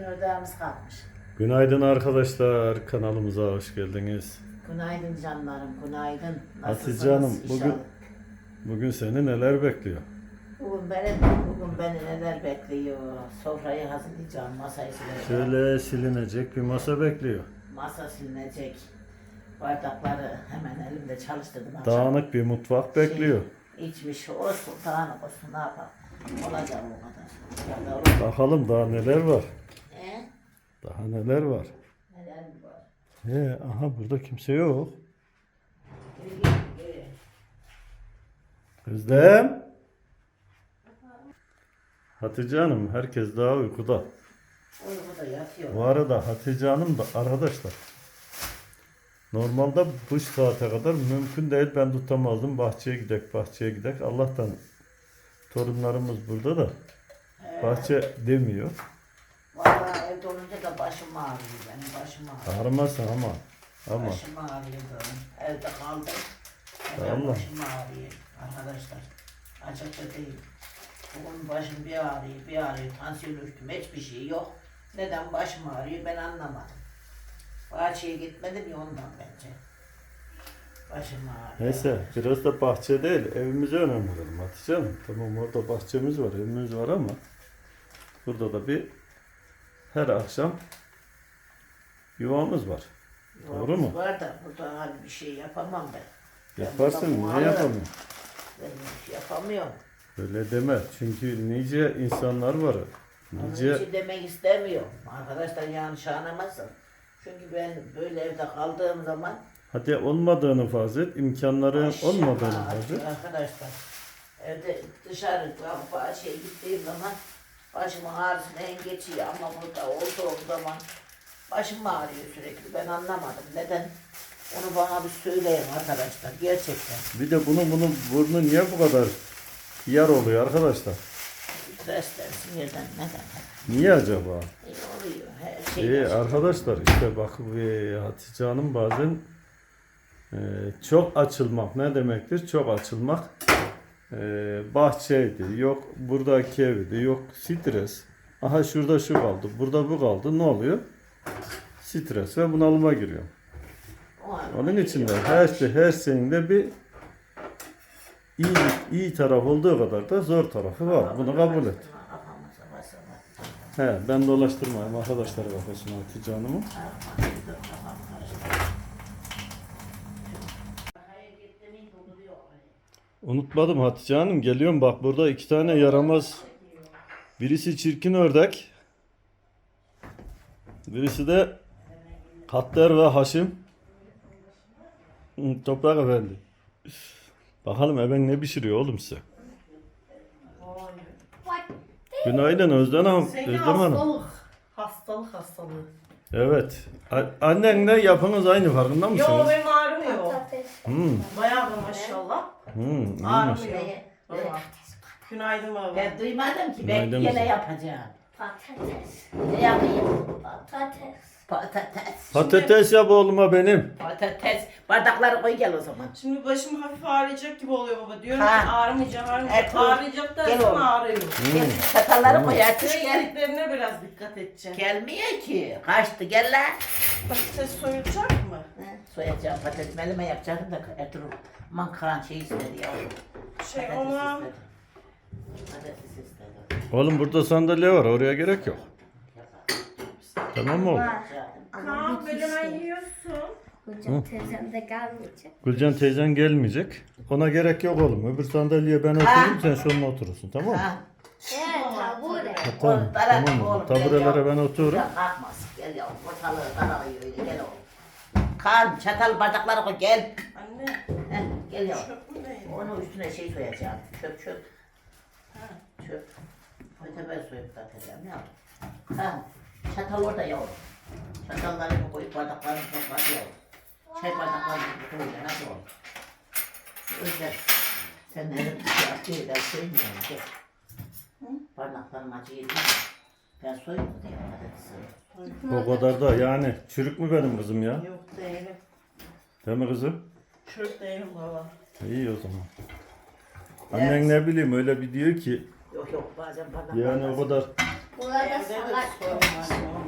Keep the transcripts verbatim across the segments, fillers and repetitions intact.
ördeğimiz kalmış. Günaydın arkadaşlar, kanalımıza hoş geldiniz. Günaydın canlarım, günaydın. Hatice Hanım, Nasılsınız bugün inşallah? bugün seni neler bekliyor? Bugün beni, bugün beni neler bekliyor? Sofrayı hazırlayacağım, masayı sileceğim. Şöyle silinecek bir masa bekliyor. Masa silinecek. Bardakları hemen elimde çalıştırdım. akşam. Dağınık bir mutfak bekliyor. Şey, içmiş olsun, dağınık olsun, ne yapalım? Olacak o kadar. Ya da olur. Bakalım daha neler var. He? Daha neler var. Neler mi var? He, aha burada kimse yok. Geri gel, geri. Özlem. Hatice Hanım, herkes daha uykuda. Uykuda yatıyor. Bu arada Hatice Hanım da arkadaşlar. Normalde bu saate kadar mümkün değil, ben tutamazdım. Bahçeye gidek, bahçeye gidek. Allah'tan torunlarımız burada da bahçe demiyor. Vallahi evde olunca da başım ağrıyor benim, başım ağrıyor. Ağrımasın ama. Ama Başım ağrıyor benim. Evde kaldım. Hemen Allah. başım ağrıyor arkadaşlar. Açıkça değil. Bugün başım bir ağrıyor, bir ağrıyor. Tansiyon ölçtüm, hiçbir şey yok. Neden başım ağrıyor ben anlamadım. Bahçeye gitmedim ya ondan bence. Başım ağrıyor. neyse, biraz da bahçe değil, evimize önem verelim Hatice Hanım. Tamam, orada bahçemiz var, evimiz var ama burada da bir her akşam yuvamız var. Doğru mu? Var da burada hani bir şey yapamam ben. Ben Yaparsın, burada niye muhalefet- yapamıyorsun? Ben bir şey yapamıyorum. Öyle deme, çünkü nice insanlar var. Onun Nice için demek istemiyorum. Arkadaşlar yanlış anlamasın. Çünkü ben böyle evde kaldığım zaman hadi olmadığını farz et, imkanların aşağı- olmadığını farz et. Arkadaşlar evde dışarı bahçeye gittiğim zaman başımın ağrısını en geçiyor ama burada olduğum zaman başım ağrıyor sürekli. Ben anlamadım. Neden? Onu bana bir söyleyin arkadaşlar. Gerçekten. Bir de bunun bunun burnu niye bu kadar yar oluyor arkadaşlar? Stresten, sinirden neden? Niye acaba? E, oluyor. Her şey. İyi yaşanıyor. arkadaşlar, işte bak e, Hatice Hanım bazen e, çok açılmak ne demektir? Çok açılmak e, bahçeydi, yok buradaki evdi, yok stres. Aha şurada şu kaldı, burada bu kaldı. Ne oluyor? Stres ve bunalıma giriyor. O an- Onun için de her şey, her şeyin de bir iyi iyi taraf olduğu kadar da zor tarafı var. Bunu kabul et. Kafamıza basalım. He, ben dolaştırmayayım arkadaşlar kafasını Hatice Hanım'ı. Unutmadım Hatice Hanım, geliyorum bak, burada iki tane yaramaz. Birisi çirkin ördek. Birisi de Katler ve Haşim. Hı, Toprak Efendi. Bakalım eben ne pişiriyor oğlum size. Günaydın Özlem Hanım. Senin Özlem Hanım. hastalık. Hastalık hastalığı. Evet. A- Annenle yapınız aynı, farkında Yo mısınız? benim ağrımıyor. Hmm. Bayağı da maşallah. Hmm. iyiymiş. Ağrımıyor. Ne? Baba. Günaydın baba. Ben duymadım ki. Ben Günaydın yine kızım. yapacağım. Patates. Ne yapayım? Patates. Patates. Patates yap oğluma benim. Patates. Bardakları koy gel o zaman. Şimdi başım hafif ağrıyacak gibi oluyor baba. Diyorum Ha. ki ağrımayacak ağrımayacak. Evet, oğlum. Ağrıyacak Gel dersen oğlum. ağrıyor. Gel, çatalları koy artık Şey gel. yediklerine biraz dikkat edeceksin. Gelmiyor ki. Kaçtı gel lan. Patates soyulacak mı? He, Soyacağım patates. Elime yapacaktım da Ertuğrul. Aman karan şey istedi yavrum. Şey Patates ona istedi. Patates istedi. Oğlum burada sandalye var, oraya gerek yok. Tamam mı oğlum? Kaan böyle yiyorsun. Hocam teyzem de gelmeyecek. Gülcan teyzen gelmeyecek. Ona gerek yok oğlum. Öbür sandalyeye ben oturayım, sen şununla oturursun, tamam mı? Ha. Evet tabure. Tamam, Oğlum, darak tamam mı? oğlum, gel Taburelere yavrum. ben otururum. Ya kalkmaz. Gel yavrum. Ortalığı daralıyor öyle. Gel oğlum. Kan, çatal, bardakları koy. Gel. Anne Heh, gel yavrum. çöp mü değil? Onun üstüne şey soyacağım. Çöp çöp. Ha, çöp. Ötebel soyup da atacağım yavrum. Ha, çatal orada yavrum. Çatallarını koyup bardaklarını toplar yavrum. Çay bardaklarını koyacaksın. Hadi oğlum. Özler. Sen ne şey atıyor ben söylemiyorum. Gel. Hı? Parmaklarım acı yedi. Ben soyayım mı diye patatesi. O kadar da yani çürük mü benim kızım ya? Yok değilim. Değil mi kızım? Çöp değilim baba. İyi o zaman. Annen ne bileyim öyle bir diyor ki Yok yok bazen parmaklarım yani o kadar Burada Evde de salak. sorun var.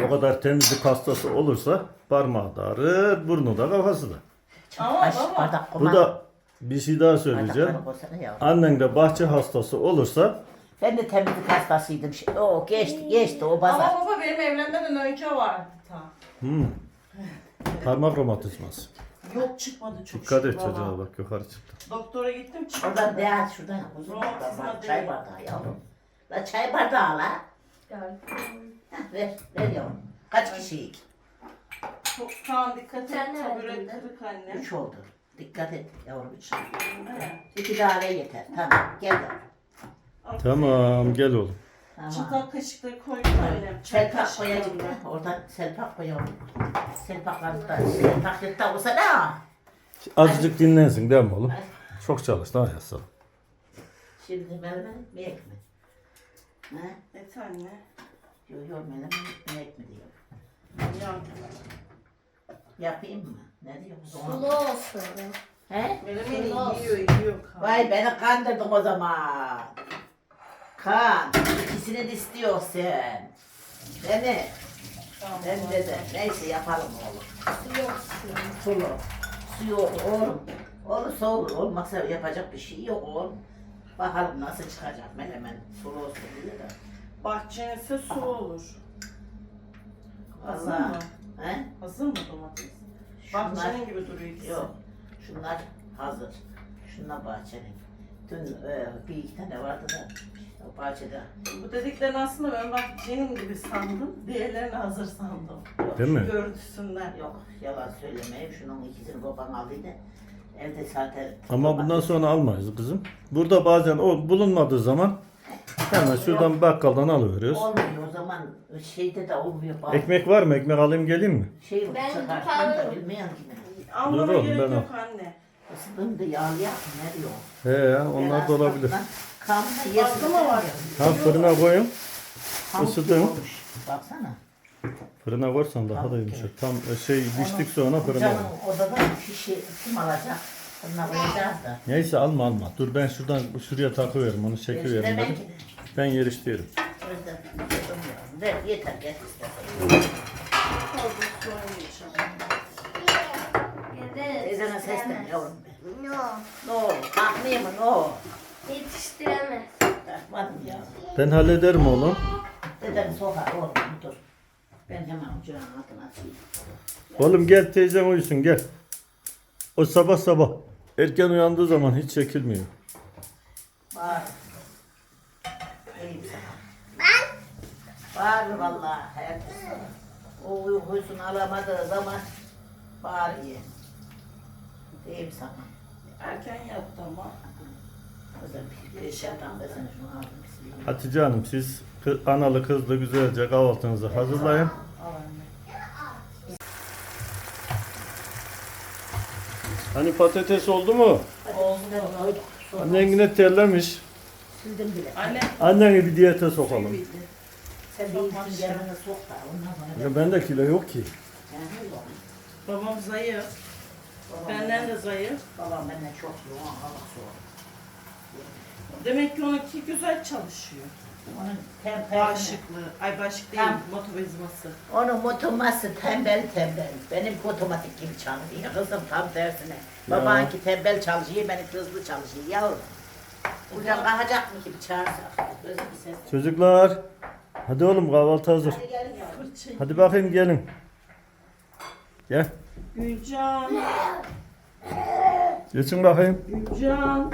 o kadar temizlik hastası olursa parmağı da ağrır, burnu da kafası da. Ama Kaç baba. bardak Bu koyma. da bir şey daha söyleyeceğim. Bardakları koysana ya. Annen de bahçe hastası olursa Ben de temizlik hastasıydım. Şey, o geçti geçti o pazar. Ama baba benim evlenmeden önce vardı ta. hmm, parmak romatizması. Yok çıkmadı çok Dikkat et şükür baba. çocuğa bak yukarı çıktı. Doktora gittim çıkmadı. Oradan değer şuradan uzun Romatizma bak, değil. çay bardağı yavrum. La çay bardağı la. Gördüm. Heh, ver ver yavrum. Kaç kişiyik? Çok Kaan dikkat et. Sen ne Tabure verdin? kırık anne. Üç oldu. Dikkat et yavrum üç. He. İki daire yeter. Tamam gel yavrum. Tamam gel oğlum. Tamam. Çatal kaşıkları koydum annem. Çay Selpak koyacak kaşıklarını. da. Oradan selpak koyalım. Selpakları da. Selpak yırtta olsa ne? Azıcık dinlensin değil mi oğlum? Çok çalıştı ha yasa. Şimdi meleme mi ek mi? Ha? Et anne. Yok yok meleme mi ek mi diyor. Ya. Yapayım mı? Ne diyorsun? Sulu olsun. He? Menemeni Olsun. yiyor yiyor Kaan. Vay beni kandırdın o zaman. Kan, ikisini de istiyorsun sen. Değil mi? Tamam, Ben baba. de de. Neyse yapalım oğlum. Yoksun. Sulu. Su yok oğlum. Olursa olur. Olmazsa yapacak bir şey yok oğlum. Bakalım nasıl çıkacak menemen. Sulu olsun diye de. Bahçen ise su olur. Hazır Vallahi. mı? He? Hazır mı domates? Şunlar, Bahçenin gibi duruyor ikisi. yok. Şunlar hazır. Şunlar bahçenin. Dün e, bir iki tane vardı da işte o bahçede. Bu dediklerini aslında ben bahçenin gibi sandım. Diğerlerini hazır sandım. Yok, Değil mi? Görüntüsünden. Yok yalan söylemeyeyim. Şunun ikisini babam aldıydı. Evde zaten... Ama bundan sonra almayız kızım. Burada bazen o bulunmadığı zaman hemen şuradan bakkaldan alıveriyoruz. Olmuyor o zaman şeyde de olmuyor. Bak. Ekmek var mı? Ekmek alayım geleyim mi? Şey Ben çıkartmam da tutarım. bilmiyorum ki ben. Almana Dur oğlum, gerek ben yok anne. Isıdım da yağlı yaptım ne diyor? He ya onlar da olabilir. Kanla Fazla mı var? Ha fırına koyun. ısıdım. Baksana. Fırına koyarsan daha da yumuşak. Tam e, şey piştik sonra fırına Canım koy. odada şişi kim alacak? Fırına koyacağız da. Neyse alma alma. Dur ben şuradan şuraya takıveririm onu çekiverim Demek dedim. ki. Ben yer istiyorum. O yüzden yapamıyorum. Ver yeter gel istersen. Fazla su oynayacağım. Evet. Teyzene seslen yavrum be. No. Ne olur kalkmayayım mı ne olur? Yetiştiremez. Kalkmadım ya. Ben hallederim oğlum. Dedem sokar oğlum dur. Ben hemen ocağın altına atayım. Oğlum gel teyzem uyusun gel. O sabah sabah erken uyandığı zaman hiç çekilmiyor. Bağır. İyiyim sana. Ben? Bağır vallahi herkes. O uykusunu alamadığı zaman bağırıyor. Diyeyim sana. Erken yattı ama. Kızım bir şeyden de sen şunu aldın. Bismillah. Hatice Hanım siz kı- analı kızlı güzelce kahvaltınızı hazırlayın. Al anne. Hani patates oldu mu? Oldu. Koyduk, sonra Annen yine terlemiş. sildim bile. Anne. Anneni bir diyete sokalım. Sen bir ilkin gelmene sok da ondan sonra. Ya bende kilo yok ki. Yani yok. Babam zayıf. Babam Benden de zayıf. Babam benden çok yoğun hava soğuk. Demek ki onunki güzel çalışıyor. Onun tem Bağışıklığı. Ay bağışık değil. Tamam. Motobezması. Onun motoması tembel tembel. Benim otomatik gibi çalışıyor. Kızım tam tersine. Babanki tembel çalışıyor, benim hızlı çalışıyor. Yavrum. Buradan kalkacak mı gibi çağırsak? Gözü bir ses. Çocuklar. Hadi oğlum kahvaltı hazır. Hadi gelin yavrum. Fırçayı. Hadi bakayım gelin. Gel. Gülcan. Geçin bakayım. Gülcan.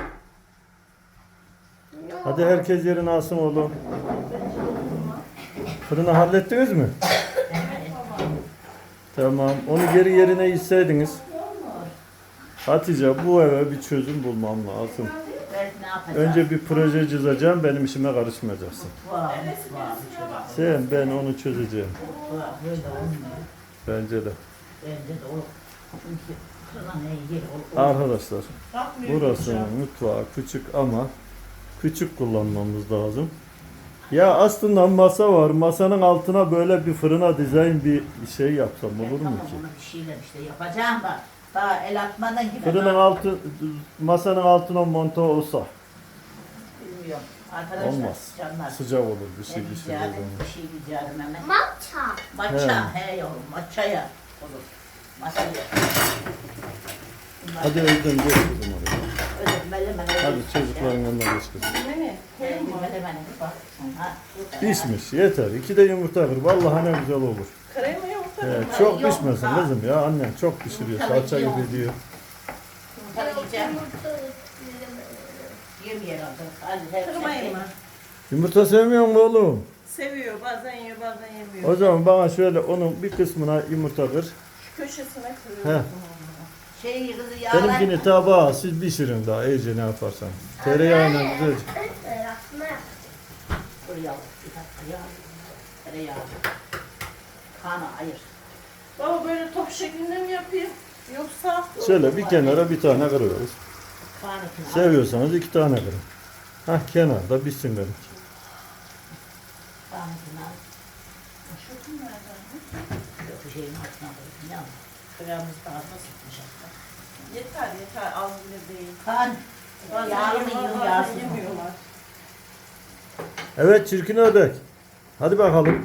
Hadi herkes yerini alsın oğlum. Fırını hallettiniz mi? Tamam. Onu geri yerine itseydiniz. Hatice bu eve bir çözüm bulmam lazım. Ben ne yapacağım? Önce bir proje çizeceğim. Benim işime karışmayacaksın. Var, var. Sen ben onu çözeceğim. Var, böyle olmuyor. Bence de. Bence de olur. Çünkü kırılan ne yer olur. Arkadaşlar Bakmıyor burası Gülcan. mutfağı küçük ama küçük kullanmamız lazım. Ya aslında masa var. Masanın altına böyle bir fırına dizayn bir şey yapsam olur mu Tamam, ki? ona bir şeyler işte yapacağım da. Daha el atmadan gibi. Fırının altı, masanın altına monte olsa. Bilmiyorum. Arkadaşlar Olmaz. canlar. Sıcak olur bir şey Ben pişirdiği rica zaman. bir şey rica ederim hemen. Matcha. Matcha he yavrum matchaya olur. Matchaya. Hadi evden geç kızım oraya. Öyle melemene. Hadi çocukların yanına geç kızım. Mehmet, koyayım mı? Melemene bir baksın ha. Pişmiş yeter. İki de yumurta kır. Vallahi ne güzel olur. Krema yoksa Ee, ben- çok Yok, pişmesin ha. kızım ya. Annem çok pişiriyor. Salça gibi diyor. Yumurta yiyeceğim. Yumurta Yemeyelim artık. Hadi hep Kırmayın mı? Yumurta sevmiyor mu oğlum? Seviyor, bazen yiyor, bazen yemiyor. O zaman bana şöyle onun bir kısmına yumurta kır. Şu köşesine He. kırıyorum. Şey kızı yağlar. Benimkini tabağa siz pişirin daha iyice ne yaparsan. Tereyağıyla güzelce. Yapma. Dur yavrum bir dakika yağ. Tereyağı. Kanı ayır. Baba böyle top şeklinde mi yapayım? Yoksa Şöyle bir kenara bir tane kırıyoruz. Kanı kına. Seviyorsanız iki tane kırın. Hah kenarda pişsin benim. Kanı kına. şu kim nereden? Yok bir şeyin altına koydum ya. Kıramız daha da sıkmış hatta. Yeter yeter, az bile değil. Kan. Bazen Yağlı mı yiyorlar, yiyor bazen yağsız mı? yemiyorlar. Evet çirkin ördek. Hadi bakalım.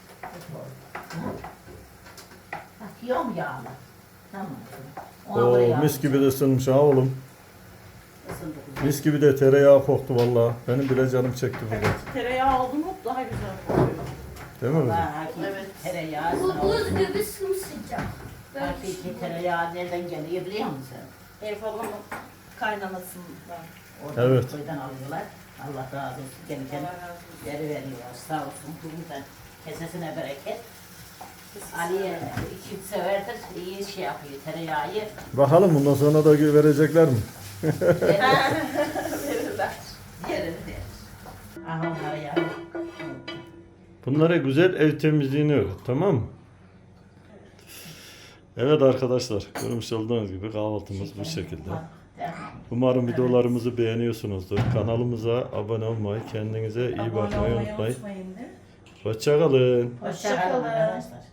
Bak yiyor mu yağlı? Tamam. Ona göre Oo, yağlı. mis gibi de ısınmış ha oğlum. Isındı güzel. Mis gibi de tereyağı koktu vallahi. Benim bile canım çekti burada. Evet, tereyağı oldu mu daha güzel oluyor. Değil mi kızım? Vallahi hakiki Evet. tereyağı. Bu sana buz olsun. gibi sımsıcak. Böyle Hakiki tereyağı nereden geliyor biliyor musun? Elif ablamın kaynamasından. Oradan Evet. köyden alıyorlar. Allah razı olsun. Gelirken Allah razı olsun. yeri veriyorlar. Sağ olsun. Bugün kesesine bereket. Ali'ye iki severdir. İyi şey yapıyor tereyağı. Bakalım bundan sonra da verecekler mi? Verirler. Yerini der. Aha onlara yavrum. Bunlara güzel ev temizliğini öğret, tamam mı? Evet arkadaşlar, görmüş olduğunuz gibi kahvaltımız bu şekilde. Umarım videolarımızı beğeniyorsunuzdur. Kanalımıza abone olmayı, kendinize iyi Abone bakmayı olmayı unutmayın. unutmayın de. Hoşça kalın. Hoşça kalın arkadaşlar.